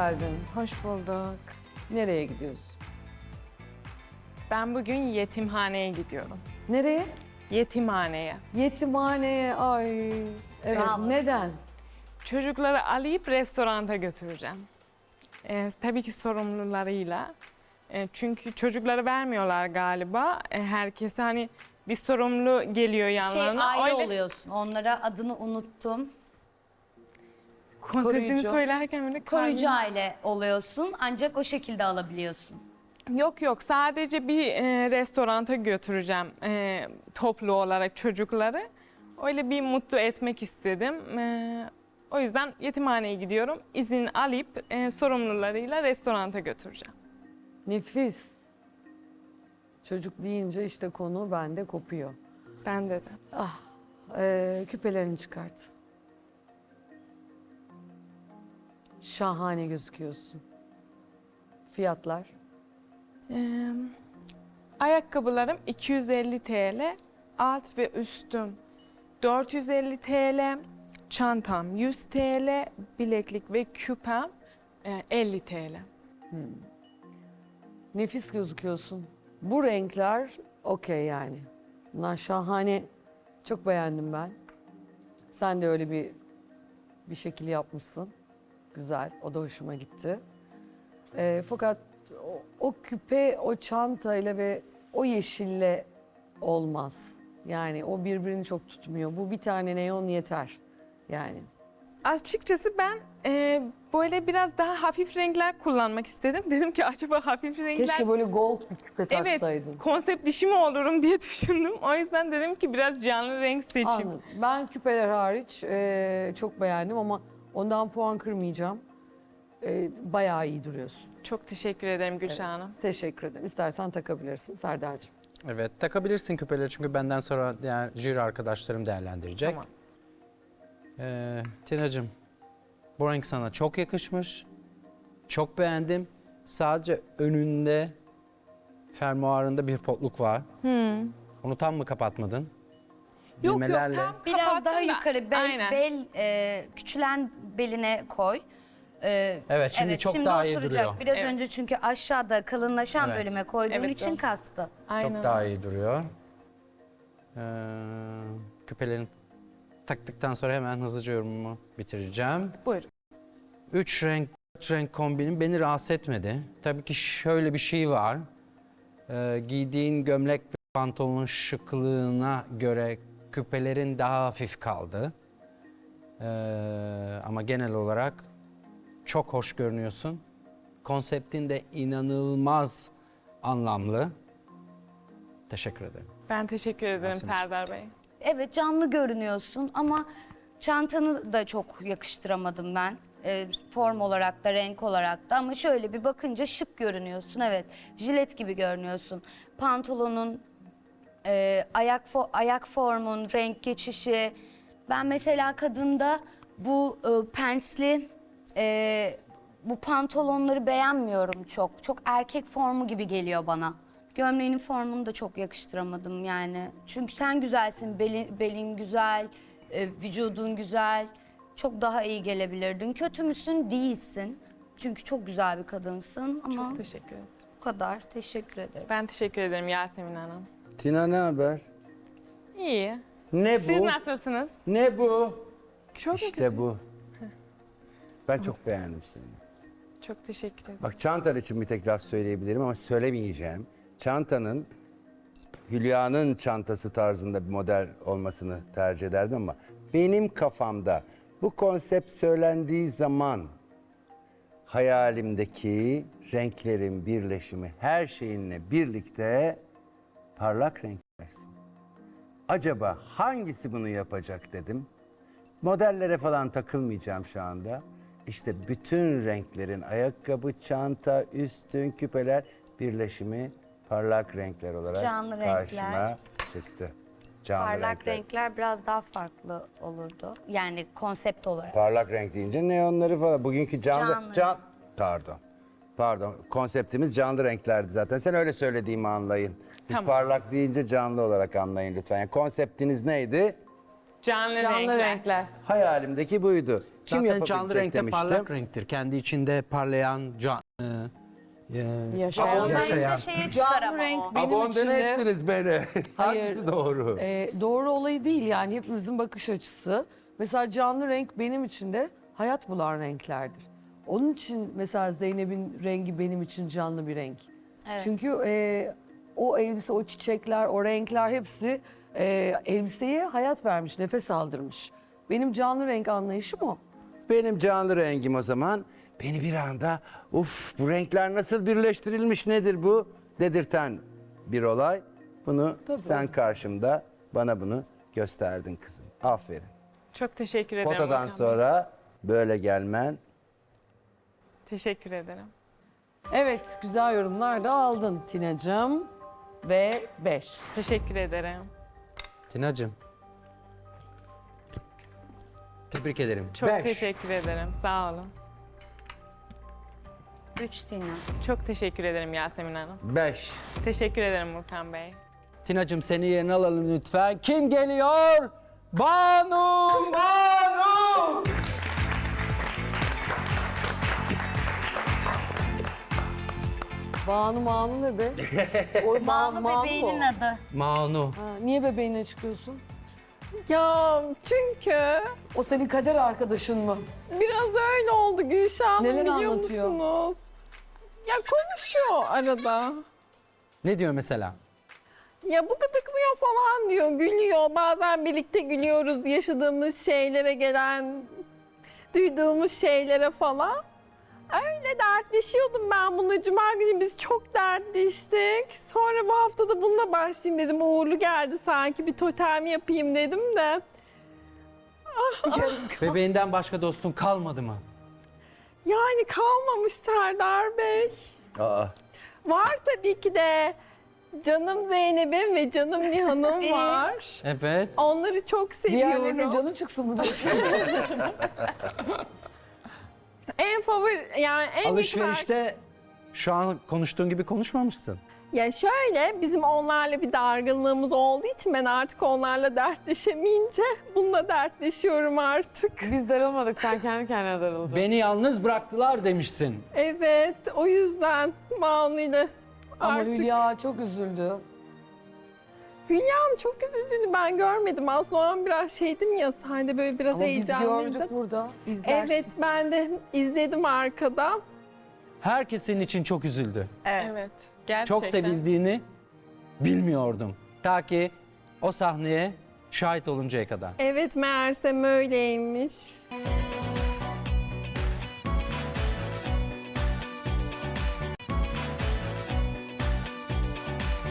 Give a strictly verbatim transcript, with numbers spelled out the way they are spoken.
geldin. Hoş bulduk. Nereye gidiyorsun? Ben bugün yetimhaneye gidiyorum. Nereye? Yetimhaneye. Yetimhaneye. Ay. Evet. Bravo. Neden? Çocukları alıp restoranta götüreceğim. Ee, tabii ki sorumlularıyla. Ee, çünkü çocukları vermiyorlar galiba. Ee, herkese hani bir sorumlu geliyor Şey yanlarına. aile Öyle oluyorsun. Onlara adını unuttum. konseptini Koruyucu. söylerken böyle Koruyucu kalbim- aile oluyorsun. Ancak o şekilde alabiliyorsun. Yok yok, sadece bir e, restoranta götüreceğim e, toplu olarak çocukları. Öyle bir mutlu etmek istedim. E, o yüzden yetimhaneye gidiyorum. İzin alıp e, sorumlularıyla restoranta götüreceğim. Nefis. Çocuk deyince işte konu bende kopuyor. Ben de de. Ah. Ee, küpelerini çıkart. Şahane gözüküyorsun. Fiyatlar? E, ayakkabılarım iki yüz elli TL, alt ve üstüm dört yüz elli TL, çantam yüz TL, bileklik ve küpem e, elli TL. Nefis gözüküyorsun. Bu renkler okey yani. Bunlar şahane. Çok beğendim ben. Sen de öyle bir bir şekil yapmışsın. Güzel. O da hoşuma gitti. Ee, fakat o, o küpe, o çantayla ve o yeşille olmaz. Yani o birbirini çok tutmuyor. Bu bir tane neon yeter. Yani. Açıkçası ben e, böyle biraz daha hafif renkler kullanmak istedim. Dedim ki acaba hafif renkler... Keşke böyle gold bir küpe Evet, taksaydın. konsept dişi mi olurum diye düşündüm. O yüzden dedim ki biraz canlı renk seçeyim. Anladım. Ben küpeler hariç e, çok beğendim ama ondan puan kırmayacağım. E, bayağı iyi duruyorsun. Çok teşekkür ederim Gülşah Hanım. Teşekkür ederim. İstersen takabilirsin Serdar'cığım. Evet, takabilirsin küpeleri çünkü benden sonra diğer jüri arkadaşlarım değerlendirecek. Tamam. Ee, Tina'cığım, bu renk sana çok yakışmış. Çok beğendim. Sadece önünde, fermuarında bir potluk var. Hmm. Onu tam mı kapatmadın? Yok Düğmelerle- yok, tam Biraz kapattım daha da- yukarı bel, Aynen. bel e, küçülen beline koy. E, Evet, şimdi çok daha iyi oturacak. duruyor. Biraz Evet. önce çünkü aşağıda kalınlaşan Evet. bölüme koyduğun Evet, için doğru. kastı. Aynen. Çok daha iyi duruyor. Ee, küpelerini taktıktan sonra hemen hızlıca yorumumu bitireceğim. Buyurun. Üç renk, üç renk kombinin beni rahatsız etmedi. Tabii ki şöyle bir şey var. Ee, giydiğin gömlek ve pantolonun şıklığına göre küpelerin daha hafif kaldı. Ee, ama genel olarak çok hoş görünüyorsun. Konseptin de inanılmaz anlamlı. Teşekkür ederim. Ben teşekkür ederim Yasemin'ciğim. Serdar Bey. Evet, canlı görünüyorsun ama çantanı da çok yakıştıramadım ben. E, form olarak da renk olarak da, ama şöyle bir bakınca şık görünüyorsun. Evet, jilet gibi görünüyorsun. Pantolonun, e, ayak fo- ayak formun, renk geçişi. Ben mesela kadında bu e, pensli e, bu pantolonları beğenmiyorum çok. Çok erkek formu gibi geliyor bana. Gömleğinin formunu da çok yakıştıramadım yani. Çünkü sen güzelsin, belin, belin güzel, e, vücudun güzel. Çok daha iyi gelebilirdin. Kötü müsün? Değilsin. Çünkü çok güzel bir kadınsın ama Çok teşekkür ederim. bu kadar. Teşekkür ederim. Ben teşekkür ederim Yasemin Hanım. Tina ne haber? İyi. Ne Siz bu? nasılsınız? Ne bu? Çok mu kötü? İşte bu. Ben çok beğendim seni. Çok teşekkür ederim. Bak, çantan için bir tek laf söyleyebilirim ama söylemeyeceğim. Çantanın Hülya'nın çantası tarzında bir model olmasını tercih ederdim ama benim kafamda bu konsept söylendiği zaman hayalimdeki renklerin birleşimi, her şeyinle birlikte parlak renklersin. Acaba hangisi bunu yapacak dedim. Modellere falan takılmayacağım şu anda. İşte bütün renklerin ayakkabı, çanta, üstün, küpeler birleşimi parlak renkler olarak Canlı karşıma renkler. çıktı. Canlı Parlak renkler. renkler biraz daha farklı olurdu. Yani konsept olarak. Parlak renk deyince neonları falan. Bugünkü canlı... Canlı. Can, pardon. Pardon. Konseptimiz canlı renklerdi zaten. Sen öyle söylediğimi anlayın. Biz Tamam. parlak deyince canlı olarak anlayın lütfen. Yani konseptiniz neydi? Canlı, Canlı renkler. renkler. Hayalimdeki buydu. Kim Zaten yapabilecek canlı renkte demiştim. parlak renktir. Kendi içinde parlayan canlı. e, Yaşayan. Ondan yaşayan. işte şeye çıkar Canlı ama renk o. benim Abondene için de ettiniz beni. Hayır. Hangisi doğru? e, doğru olayı değil yani hepimizin bakış açısı. Mesela canlı renk benim için de hayat bulan renklerdir. Onun için mesela Zeynep'in rengi benim için canlı bir renk. Evet. Çünkü e, o elbise, o çiçekler, o renkler hepsi e, elbiseye hayat vermiş, nefes aldırmış. Benim canlı renk anlayışım o. Benim canlı rengim o zaman beni bir anda uf bu renkler nasıl birleştirilmiş nedir bu dedirten bir olay. Bunu Tabii. sen karşımda bana bunu gösterdin kızım. Aferin. Çok teşekkür ederim. Fotodan Volkan Bey. sonra böyle gelmen. Teşekkür ederim. Evet, güzel yorumlar da aldın Tina'cığım. Ve beş. Teşekkür ederim. Tina'cığım. Tebrik ederim. Çok Beş. teşekkür ederim. Sağ olun. Üç Tina. Çok teşekkür ederim Yasemin Hanım. Beş. Teşekkür ederim Volkan Bey. Tina'cığım seni yerine alalım lütfen. Kim geliyor? Banu! Banu! Banu Manu ne be? O Ma- Banu Manu bebeğinin o. adı. Manu. Ha, niye bebeğine çıkıyorsun? Ya çünkü O senin kader arkadaşın mı? biraz öyle oldu Gülşah Hanım, Neler biliyor anlatıyor? musunuz? Ya konuşuyor arada. Ne diyor mesela? Ya bu gıdıklıyor falan diyor, gülüyor. Bazen birlikte gülüyoruz yaşadığımız şeylere, gelen, duyduğumuz şeylere falan. Öyle dertleşiyordum ben bununla. Cuma günü biz çok dertleştik. Sonra bu hafta da bununla başlayayım dedim. Uğurlu geldi sanki, bir totem yapayım dedim de. Bebeğinden başka dostun kalmadı mı? Yani kalmamış Serdar Bey. Aa. Var tabii ki de. Canım Zeynep'im ve canım Nihan'ım Ee? var. Evet. Onları çok Diğerlerine seviyorum. canı çıksın mı diyorsun? En favori yani en yakın Alışverişte şu an konuştuğun gibi konuşmamışsın. Ya şöyle, bizim onlarla bir dargınlığımız olduğu için ben artık onlarla dertleşemeyince bununla dertleşiyorum artık. Biz darılmadık, sen kendi kendine darıldın. Beni yalnız bıraktılar demişsin. Evet, o yüzden Manu'yla Ama artık. Hülya çok üzüldü. Hülya'nın çok üzüldüğünü ben görmedim. Aslında o an biraz şeydim ya, sahnede böyle biraz Ama biz heyecanlıydım. gördük burada. Evet, ben de izledim arkada. Herkes senin için çok üzüldü. Evet. Gerçekten. Çok sevildiğini bilmiyordum. Ta ki o sahneye şahit oluncaya kadar. Evet, meğersem öyleymiş.